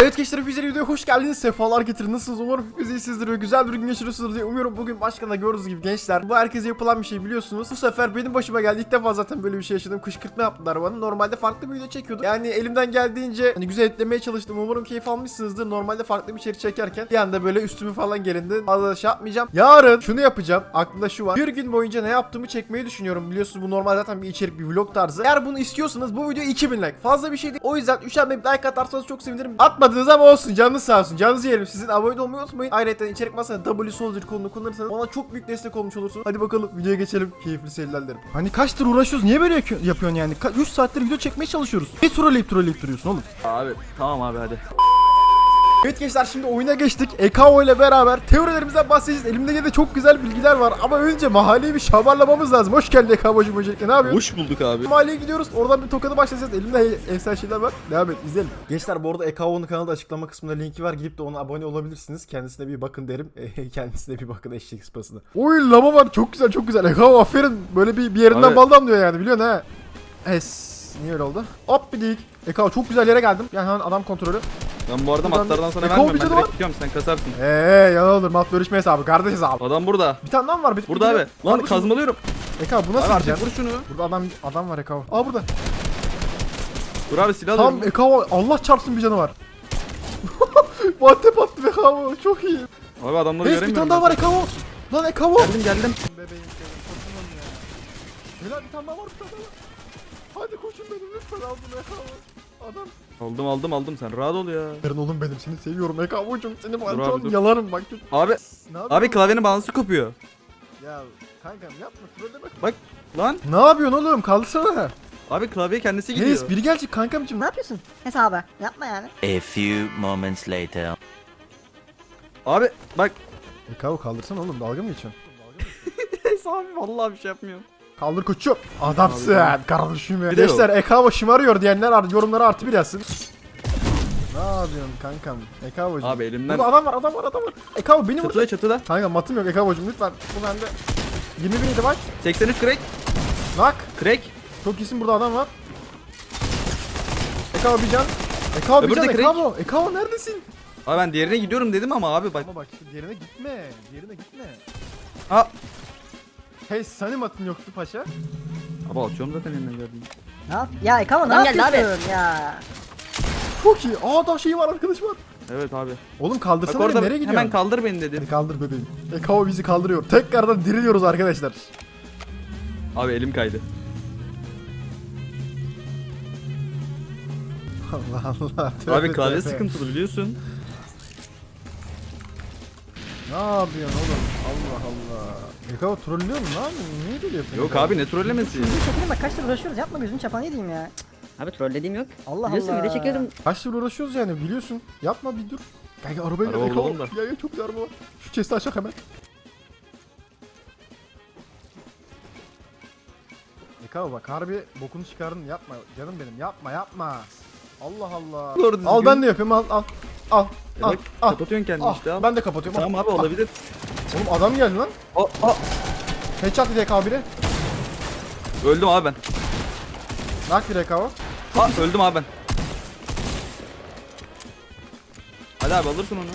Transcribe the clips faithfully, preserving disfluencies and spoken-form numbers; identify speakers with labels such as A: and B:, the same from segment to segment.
A: Evet gençler, güzel videoya hoş geldiniz. Sefalar getirin. Nasılsınız? Umarım hepiniz iyisinizdir ve güzel bir gün geçiriyorsunuz diye umuyorum. Bugün başkanla gördüğünüz gibi gençler, bu herkese yapılan bir şey biliyorsunuz. Bu sefer benim başıma geldi. İlk defa zaten böyle bir şey yaşadım. Kışkırtma yaptılar bana. Normalde farklı bir video çekiyordum. Yani elimden geldiğince hani güzel etlemeye çalıştım. Umarım keyif almışsınızdır. Normalde farklı bir içerik çekerken bir anda böyle üstümü falan gelindi. Fazla şey yapmayacağım. Yarın şunu yapacağım. Aklımda şu var. Bir gün boyunca ne yaptığımı çekmeyi düşünüyorum. Biliyorsunuz bu normal zaten bir içerik, bir vlog tarzı. Eğer bunu istiyorsanız bu video iki bin like. Fazla bir şey değil. O yüzden üçer bir like atarsanız çok sevinirim. Atmadınız ama olsun. Canınız sağ olsun. Canınızı yerim. Sizin abone olmayı unutmayın. Ayrıca içerik masasında W Soldier kolunu kullanırsanız bana çok büyük destek olmuş olursunuz. Hadi bakalım videoya geçelim. Keyifli seyirler derim. Hani kaçtır uğraşıyoruz? Niye böyle yapıyorsun yani? üç saattir video çekmeye çalışıyoruz. Ne trolleyip trolleyip duruyorsun oğlum?
B: Abi tamam abi hadi.
A: Evet gençler, şimdi oyuna geçtik. Ekao ile beraber teorilerimizden bahsedeceğiz. Elimde yine de çok güzel bilgiler var. Ama önce mahalleyi bir şamarlamamız lazım. Hoş geldin Ekao'cum öncelikle. Ne yapıyorsun?
B: Hoş bulduk abi.
A: Mahalleye gidiyoruz. Oradan bir tokadı başlayacağız. Elimde efsane şeyler var. Devam et, izleyelim. Gençler bu arada Ekao'nun kanalda açıklama kısmında linki var. Gidip de ona abone olabilirsiniz. Kendisine bir bakın derim. Kendisine bir bakın eşek sıpasına. Oy lama var. Çok güzel çok güzel. Ekao aferin. Böyle bir, bir yerinden
B: Abi.
A: bal damlıyor yani, biliyorsun ha. Es. Niye öyle oldu? Hop bir dik. Ekao çok güzel yere geldim. Yani hemen adam kontrolü.
B: Ben bu arada
A: Buradan
B: matlardan
A: bir-
B: sana
A: E,
B: vermiyorum. Ben
A: kovbici
B: direkt
A: var.
B: gidiyorum, sen kasarsın.
A: Eee yalan olur. Mat bölüşme hesabı. Kardeş hesabı.
B: Adam burada.
A: Bir tane daha mı var? Bir,
B: Burada
A: bir-
B: abi. Lan
A: Abi,
B: kazmalıyorum.
A: Ekao bu nasıl
B: Abi artık
A: gideceksin?
B: vur şunu.
A: Burada adam adam var Ekao. Aa burada.
B: Dur abi silah
A: Tam
B: alıyorum.
A: Ekao, Allah çarpsın bir canı var. Vantep attı Ekao. Çok iyi.
B: Abi adamları
A: Reis bir
B: göremiyorum.
A: tane daha
B: ben.
A: var Ekao. Lan Ekao.
B: Geldim geldim.
A: Bebeğim senin koşun ya. Helal, bir tane daha var, bir tane daha var. Hadi koşun benim lütfen, aldım Ekao. Adam.
B: Aldım aldım aldım, sen rahat ol ya.
A: Yarın oğlum benim, seni seviyorum Ekao'cum. Seni
B: abi,
A: bu
B: dur.
A: yalarım bak.
B: Abi
A: Ne
B: abi
A: yapıyorsun?
B: klavyenin balansı kopuyor.
A: Ya kankam yapma, trolleme.
B: Bak lan.
A: Ne yapıyorsun oğlum? Kaldırsana.
B: Abi klavye kendisi gidiyor.
A: Reis biri gelecek kankamcım.
C: Ne yapıyorsun? Hesabı. Yapma yani.
D: A few moments later.
B: Abi bak.
A: Ekao kaldırsana oğlum, dalga mı geçiyorsun?
B: Neyse abi vallahi bir şey yapmıyorum.
A: Kaldır koçum. Adamsın kardeşim ya.
B: Bir de
A: Gençler Ekao şımarıyor diyenler ar- yorumlara artı bir yazsın. Ne yapıyorsun kankam? Ekao'cum.
B: Abi elimden.
A: Burada adam var, adam var, adam var. Ekao beni vur.
B: Çatıda çatıda.
A: Kanka matım yok Ekao'cum lütfen. Bu bende. yirmi bin idi bak.
B: seksen üç crack.
A: Nak.
B: Crack.
A: Çok iyisin, burada adam var. Ekao bir can. Ekao bir
B: Öbürü
A: can.
B: de crack.
A: Ekao. Ekao neredesin?
B: Abi ben diğerine gidiyorum dedim ama abi bak.
A: Ama bak işte diğerine gitme. Diğerine gitme.
B: Aa.
A: Hey, senin matın yoktu paşa.
B: Abi atıyorum zaten elimden geldiğini.
C: Ne yap? Ya Ekama ne
D: Adam geldi
C: yapıyorsun ya?
A: Çok iyi. Aa da şey var, arkadaş var.
B: Evet abi.
A: Oğlum
B: Bak
A: kaldırsana
B: orada
A: beni, nereye gidiyorsun?
B: hemen kaldır beni dedim.
A: Hadi kaldır bebeğim. Ekao bizi kaldırıyor. Tekrardan diriliyoruz arkadaşlar.
B: Abi elim kaydı.
A: Allah Allah.
B: Abi
A: Tövbe
B: klavye
A: tövbe.
B: sıkıntılı biliyorsun.
A: Ne yapıyorsun oğlum? Allah Allah. Ekao trollüyor mu lan? Niye böyle yapıyorsun?
B: Yok abi ne trollemesi.
C: Gözünü çekeyim bak, kaç lira uğraşıyoruz, yapma gözünü çapan yediğim ya.
D: Abi trollediğim yok.
C: Allah
D: Biliyorsun
C: Allah.
D: video çekiyorum.
A: Kaç yıl uğraşıyoruz yani, biliyorsun. Yapma bir dur. Kanka arabaya gel
B: Araba
A: Ekao.
B: bulalım da.
A: Ya ya çok güzel araba var. Şu chest'i açak hemen. Ekao bak harbi bokunu çıkardın, yapma canım benim, yapma yapma. Allah Allah.
B: Doğru düzgün.
A: Al ben de yapayım, al al. Al.
B: Ya
A: Al.
B: bak
A: Al.
B: kapatıyorsun kendini
A: Al.
B: işte al.
A: Ben de kapatıyorum.
B: Tamam
A: Al.
B: abi olabilir.
A: Al. Oğlum adam geldi lan.
B: Aa, aa.
A: Headshot bir Ekao biri.
B: Öldüm abi ben.
A: Nak bir Ekao.
B: Aa, öldüm abi ben. Hadi abi alırsın onu.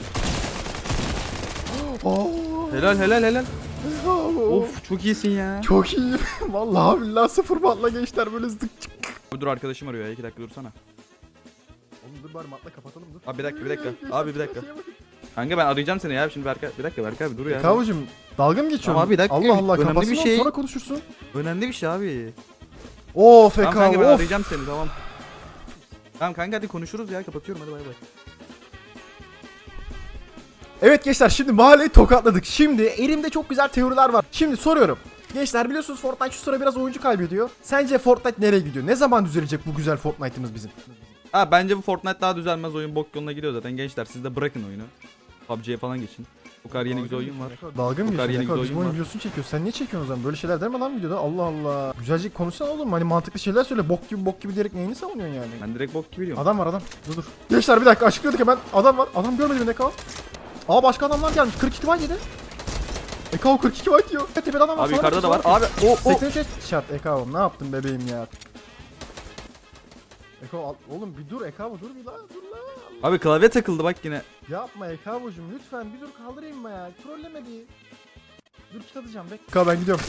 A: Oo.
B: Helal helal helal.
A: Of.
B: Of çok iyisin ya.
A: Çok iyi. Vallahi billahi sıfır batla gençler, böyle zık çık.
B: Abi dur arkadaşım arıyor ya, iki dakika dursana.
A: Oğlum dur bari matla kapatalım, dur.
B: Abi bir dakika, bir dakika.
A: Gençler,
B: Abi bir dakika.
A: şuraya bakın.
B: Kanka ben arayacağım seni ya şimdi Berkay. Bir dakika Berkay abi dur ya.
A: Ekao'cum dalga mı geçiyorsun?
B: Tamam abi, bir dakika.
A: Allah Allah,
B: Önemli
A: kapatsın
B: bir
A: oğlum,
B: şey.
A: sonra konuşursun.
B: Önemli bir şey abi.
A: Of
B: Tamam
A: Ekao
B: kanka ben
A: of.
B: arayacağım seni tamam. Tamam kanka hadi konuşuruz ya, kapatıyorum hadi bay bay.
A: Evet gençler, şimdi mahalleyi tokatladık. Şimdi elimde çok güzel teoriler var. Şimdi soruyorum. Gençler biliyorsunuz Fortnite şu sıra biraz oyuncu kaybediyor. Sence Fortnite nereye gidiyor? Ne zaman düzelecek bu güzel Fortnite'ımız bizim?
B: Ha bence bu Fortnite daha düzelmez, oyun bok yoluna gidiyor zaten gençler, siz de bırakın oyunu. P U B G'ye falan geçin. Bu kadar yeni güzel oyun var.
A: Dalga mı
B: Bu kadar
A: geçiyorsun?
B: yeni
A: Ekao,
B: güzel
A: bizim
B: oyun
A: oyun
B: var.
A: videosunu çekiyorsun. Sen niye çekiyorsun o zaman? Böyle şeyler deme lan videoda. Allah Allah. Güzelce konuşsana oğlum. Hani mantıklı şeyler söyle. Bok gibi bok gibi diyerek neyini savunuyorsun yani?
B: Ben direkt bok gibi diyorum.
A: Adam var adam. Dur dur. Gençler bir dakika, açıklıyorduk hemen. Adam var. Adam görmedi beni Ekao. Aa başka adamlar gelmiş. kırk iki white yedi. Ekao kırk iki white yiyor. Tepede adam var.
B: Abi
A: sana
B: yukarıda da var.
A: bakıyor,
B: Abi o o.
A: seksen üç şart Ekao. Ne yaptın bebeğim ya? Ekao al- oğlum bir dur Ekao, dur bir la dur la.
B: Abi klavye takıldı bak yine.
A: Yapma Ekabo'cum lütfen bir dur kaldırayım mı ya? Trolleme bir. Dur kit atacağım bek. Eka ben gidiyorum.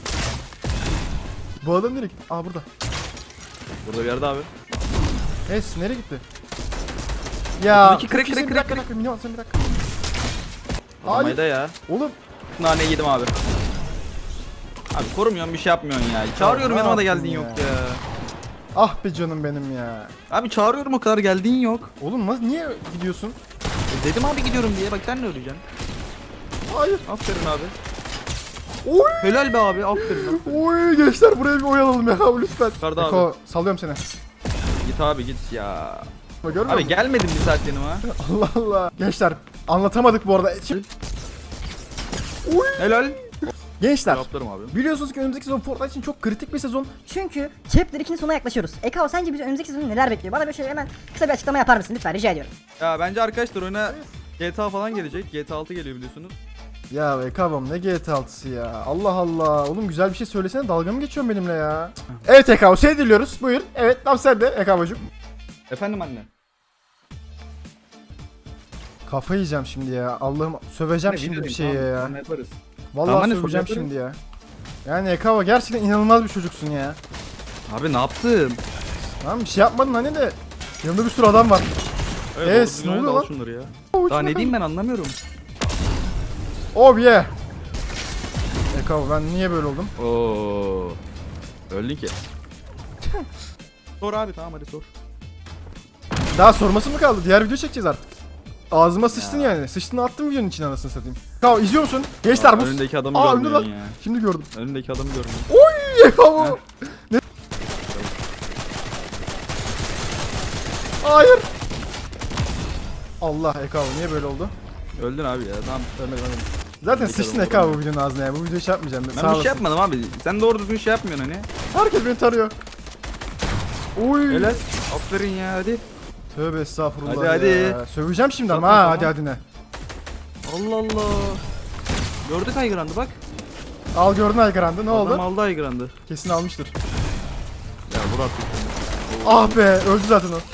A: Bu adam nereye gitti? Aa burada.
B: Burada bir yerde abi.
A: Es nereye gitti? Ya.
B: otuz iki crack,
A: çok iyisin,
B: crack,
A: bir
B: crack,
A: dakika, bir dakika, minyon, sen bir dakika.
B: Alamayı da ya.
A: Oğlum.
B: Nane yedim abi. Abi korumuyorsun bir şey yapmıyorsun ya. Çağırıyorum
A: ne
B: yanıma da
A: yaptın
B: geldiğin
A: ya?
B: yok ya.
A: Ah be canım benim ya.
B: Abi çağırıyorum o kadar geldiğin yok.
A: Oğlum nasıl niye gidiyorsun?
B: E dedim abi gidiyorum diye bak sen ne öleceksin.
A: Hayır.
B: Aferin abi.
A: Oy.
B: Helal be abi aferin. Abi.
A: Oy gençler buraya bir oyalalım ya lütfen.
B: Yukarıda abi.
A: Eko sallıyorum seni.
B: Git abi git ya.
A: Görmüyor
B: Abi
A: musun?
B: gelmedin bir saat yanıma.
A: Allah Allah. Gençler anlatamadık bu arada. Şimdi... Oy.
B: Helal.
A: Gençler
B: Cevaplarım abi.
A: biliyorsunuz ki önümüzdeki sezon Fortnite için çok kritik bir sezon.
C: Çünkü Chapter ikinin sonuna yaklaşıyoruz. Ekao sence bizi önümüzdeki sezon neler bekliyor? Bana böyle şöyle hemen kısa bir açıklama yapar mısın lütfen rica ediyorum.
B: Ya bence arkadaşlar oyuna G T A falan gelecek. G T A altı geliyor biliyorsunuz.
A: Ya Ekabam ne G T altısı ya. Allah Allah. Oğlum güzel bir şey söylesene, dalga mı geçiyorsun benimle ya? Evet Ekabo seni dinliyoruz. Buyur. Evet tam sen de Ekabo'cum.
B: Efendim anne.
A: Kafa yiyeceğim şimdi ya. Allah'ım söveceğim şimdi bir şeye ya.
B: Tamam, yaparız.
A: Vallahi
B: Tamam, anne,
A: söveceğim
B: yaparız.
A: şimdi ya. Yani Ekabo gerçekten inanılmaz bir çocuksun ya.
B: Abi ne yaptın?
A: Tamam bir şey yapmadın hani de. Yanında bir sürü adam var.
B: Evet,
A: Es,
B: doğru
A: ne
B: düzgün
A: oluyor
B: al
A: lan?
B: Şunları ya.
A: Oo,
B: Daha
A: şuna
B: ne
A: bak.
B: diyeyim ben anlamıyorum.
A: Oh yeah. Ekabo ben niye böyle oldum?
B: Oo. Öldün ki. Sor abi tamam hadi sor.
A: Daha sorması mı kaldı? Diğer video çekeceğiz artık. Ağzıma sıçtın yani. Sıçtın attım videonun içine anasını satayım. Ekabo izliyor musun? Gençler
B: Aa,
A: bu.
B: önündeki adamı
A: Aa önde
B: görmüyorsun
A: lan.
B: ya.
A: Şimdi gördüm.
B: Önündeki adamı görmüyorsun.
A: Oy Ekabo. Ne? Hayır. Allah Ekabo niye böyle oldu?
B: Öldün abi ya tamam.
A: Ölmedim ölmedim. Zaten
B: Öndeki
A: sıçtın
B: adamı
A: Ekabo bu videonun ağzına ya. Bu videoyu şey yapmayacağım.
B: Ben
A: Sağ
B: bir şey
A: olasın.
B: yapmadım abi. Sen doğru düzgün şey yapmıyorsun hani.
A: Herkes beni tarıyor. Oy.
B: Helal. Aferin ya hadi.
A: Tövbe estağfurullah
B: Hadi, hadi.
A: ya. Söveceğim şimdi ama
B: Zaten
A: ha
B: tamam.
A: hadi hadi ne.
B: Allah Allah. Gördük Aygran'dı bak.
A: Al gördün Aygran'dı ne oldu?
B: Adam aldı Aygran'dı.
A: Kesin almıştır.
B: Ya vur artık.
A: Ah be öldü zaten o.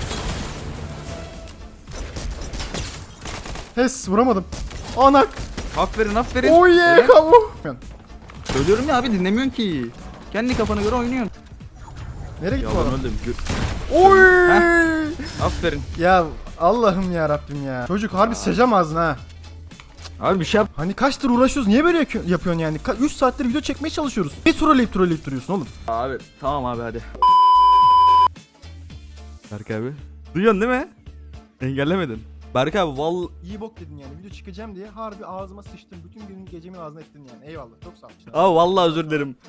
A: Hes vuramadım. Anak.
B: Aferin aferin.
A: Oy ye
B: Helal.
A: kavu.
B: Söylüyorum ya abi dinlemiyorsun ki. Kendi kafana göre oynuyorsun.
A: Nereye
B: Ya
A: gitti o
B: ben
A: adam?
B: öldüm. Gö-
A: Oy.
B: Aferin.
A: Ya Allah'ım ya Rabbim ya. Çocuk harbi sıçacağım ağzına ha.
B: Abi bir şey yap.
A: Hani kaçtır uğraşıyoruz niye böyle yakı- yapıyorsun yani? üç saattir video çekmeye çalışıyoruz. Ne trolleyip trolleyip duruyorsun oğlum?
B: Abi tamam abi hadi. Berk abi. Duyuyorsun değil mi? Engellemedin. Berk abi val...
A: İyi bok dedin yani video çıkacağım diye harbi ağzıma sıçtın. Bütün gün gecemi ağzına ettin yani. Eyvallah çok sağ ol.
B: Aa vallahi özür dilerim.